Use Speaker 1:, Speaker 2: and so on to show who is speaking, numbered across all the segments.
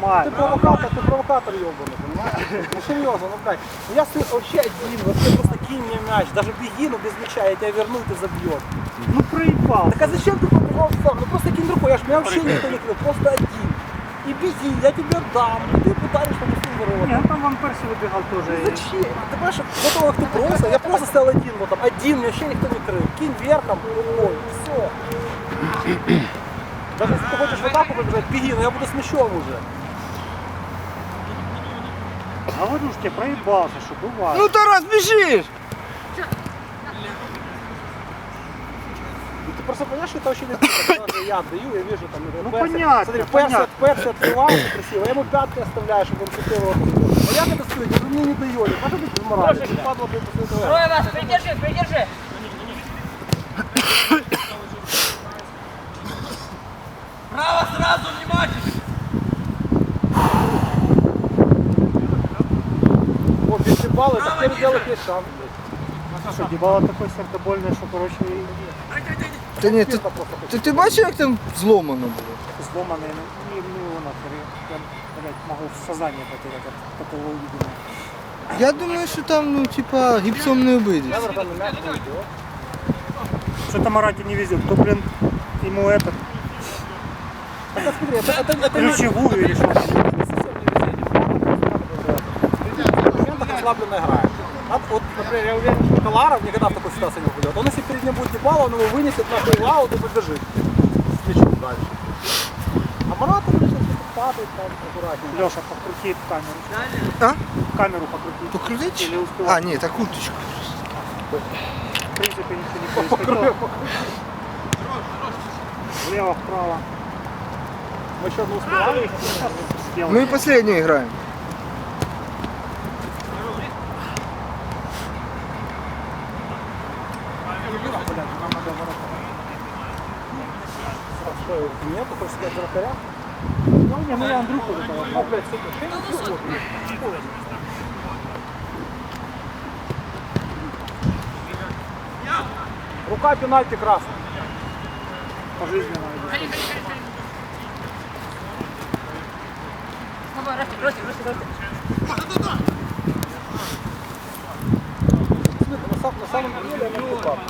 Speaker 1: Нормально.
Speaker 2: Ты провокатор ебаный, понимаешь? Ну серьезно, ну блядь. Ну я вообще один, вообще просто кинь мне мяч. Даже беги, но без мяча, я тебя верну, и ты забьешь.
Speaker 1: Ну проебал.
Speaker 2: Так а зачем ты побежал сам? Ну просто кинь другой, меня вообще никто не крыл, просто один. И беги, я тебе дам, и ты ударишь по пустым воротам.
Speaker 1: Нет, там Ван Перси выбегал тоже.
Speaker 2: Зачем? Ты понимаешь, до того, как ты бросил, я просто стоял один, вот там, один, меня вообще никто не крыл. Кинь верхом, рукой, все. Даже если ты хочешь в атаку побежать, беги, но я буду с мячом уже.
Speaker 1: Говорю ж тебе, проебался, что бывает.
Speaker 3: Ну, Тарас, бежишь!
Speaker 2: Ты просто понимаешь, что это очень легко, когда же я отдаю, я вижу там,
Speaker 1: Ну,
Speaker 2: Перси,
Speaker 1: понятно,
Speaker 2: смотри,
Speaker 1: понятно.
Speaker 2: Перси открывался красиво, я ему пятки оставляю, чтобы он крутил его. А я когда стою, говорю, мне не дает, а что ты без морали? Ты падла, блин, после этого.
Speaker 4: Трое вас, придержи, придержи! Право сразу, внимательно!
Speaker 2: Вот, если баллы, так теперь делать есть шанс.
Speaker 1: Що, Дібала такий сердобольний, що, коротше,
Speaker 3: Та ні, ти бачив, як там зломано було?
Speaker 1: зломаний, ну, воно, я, блядь, можу сознання потеряти от такого увидения.
Speaker 3: Я думаю, що там, ну, типа, гіпсом не обидиш.
Speaker 1: Что-то Марате не везет, то, блин, ему этот,
Speaker 2: Это, смотри, это
Speaker 1: ключевую или что-то.
Speaker 2: Ослабленно играет. Вот, например, я уверен, что Каларов никогда в такой ситуации не попадет. Он если перед ним будет Дебала, он его вынесет на фейлаут и побежит с мячом дальше. А Марат, он сейчас падает там аккуратнее.
Speaker 1: Леша, покрути камеру.
Speaker 3: А?
Speaker 1: Камеру покрути.
Speaker 3: Покрутить?
Speaker 1: Или успевать?
Speaker 3: А, ні, та курточку.
Speaker 1: В принципе, ничего не происходило. Влево, вправо.
Speaker 2: Мы еще не успевали.
Speaker 3: Ми і последнюю граємо.
Speaker 2: Что, нет, ты хочешь сказать вратаря?
Speaker 1: Ну, не, ну я Андрюху этого.
Speaker 2: Ну, блядь, сука, рука пенальти красная.
Speaker 1: Пожизненно идет.
Speaker 4: Давай, Ростик.
Speaker 2: На самом деле я не упал.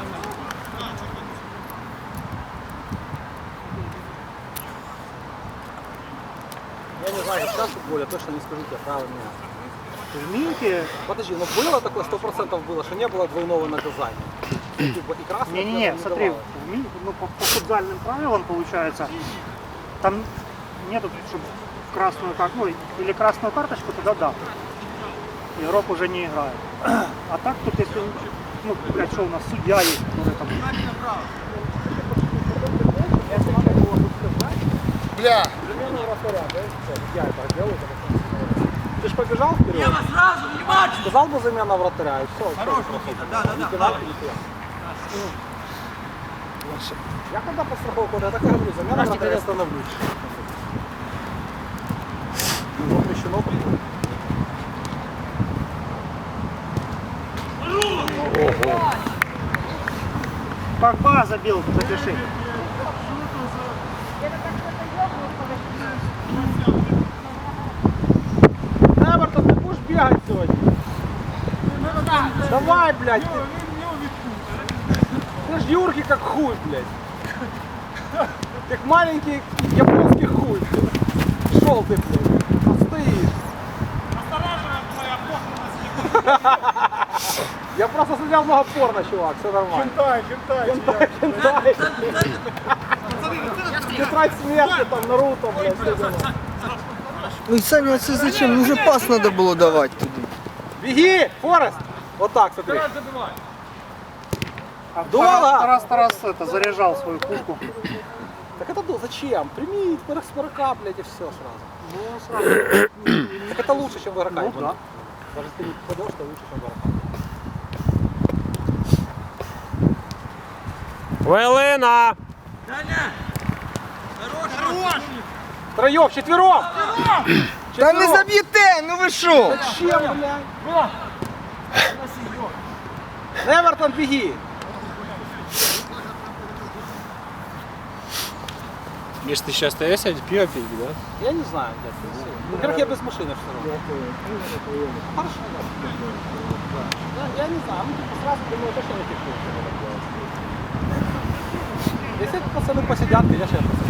Speaker 2: Я не знаю, сейчас футбол, я точно не скажу тебе, право меня.
Speaker 1: В Минке...
Speaker 2: Подожди, но было такое, 100% было, что не было двойного наказания. Типа и красного
Speaker 1: Не-не-не,
Speaker 2: не
Speaker 1: смотри,
Speaker 2: давало.
Speaker 1: в Минке, ну, по футзальным правилам получается, там нету, чтобы красную карточку, ну, или красную карточку, тогда да. Игрок уже не играет. А так тут, если, ну, блядь, что у нас, судья есть, который там...
Speaker 3: Бля!
Speaker 2: Примерно вратаря, да? Я это делаю, ты же побежал вперед?
Speaker 4: Я вас сразу, внимательно!
Speaker 2: Сказал бы замена вратаря, и все.
Speaker 4: Хорош, Никита, да.
Speaker 2: Я когда по страховку, я так и говорю, замена вратаря, я становлюсь. Ну, запрещено такое.
Speaker 1: Погба забил, запиши.
Speaker 2: Эвертон, ты будешь бегать сегодня? Давай, блядь. Ты ж Юрки как хуй, блядь. Как маленький японский хуй, блядь. Шел ты, блядь. Стоишь. Я просто смотрел много порно, чувак, все нормально. Хентай. Тетрадь смерти, там, Наруто, блядь, все дела.
Speaker 3: Ой, Саня, а це зачем? Ну вже пас треба було давати туди.
Speaker 2: Беги, Форест! Вот так, смотри.
Speaker 1: А
Speaker 2: Долго!
Speaker 1: Тарас это, заряжал свою пушку.
Speaker 2: Так это зачем? Прими с порока, блядь, и все сразу.
Speaker 1: Ну, сразу.
Speaker 2: Так это лучше, чем в игрока.
Speaker 1: Ну, да.
Speaker 2: Даже если ты не попадешь, то лучше, чем в игрока.
Speaker 5: Хвилина!
Speaker 4: Даня! Хорош!
Speaker 2: Втроем, четвером!
Speaker 3: Та не заб'єте, ну ви що?
Speaker 2: Зачем, блядь? Эвертон, беги!
Speaker 5: Миш, ты сейчас остаешься пиво пить, да?
Speaker 2: Я не знаю, дядь. Во-первых, я без машины все равно. Хорошо. Я не знаю, мы типа сразу думаю, точно не пишу. Если пацаны посидят, конечно, я посижу.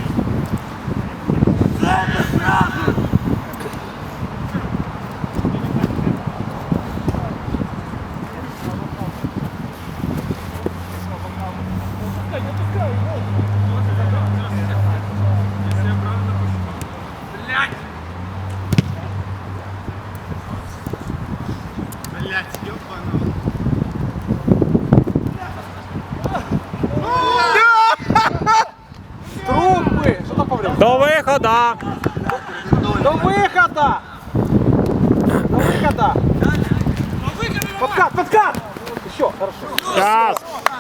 Speaker 2: Трупы! Что там поврел?
Speaker 5: До выхода!
Speaker 2: До выхода! До выхода! Подкат, подкат! Еще, хорошо.
Speaker 5: Сейчас!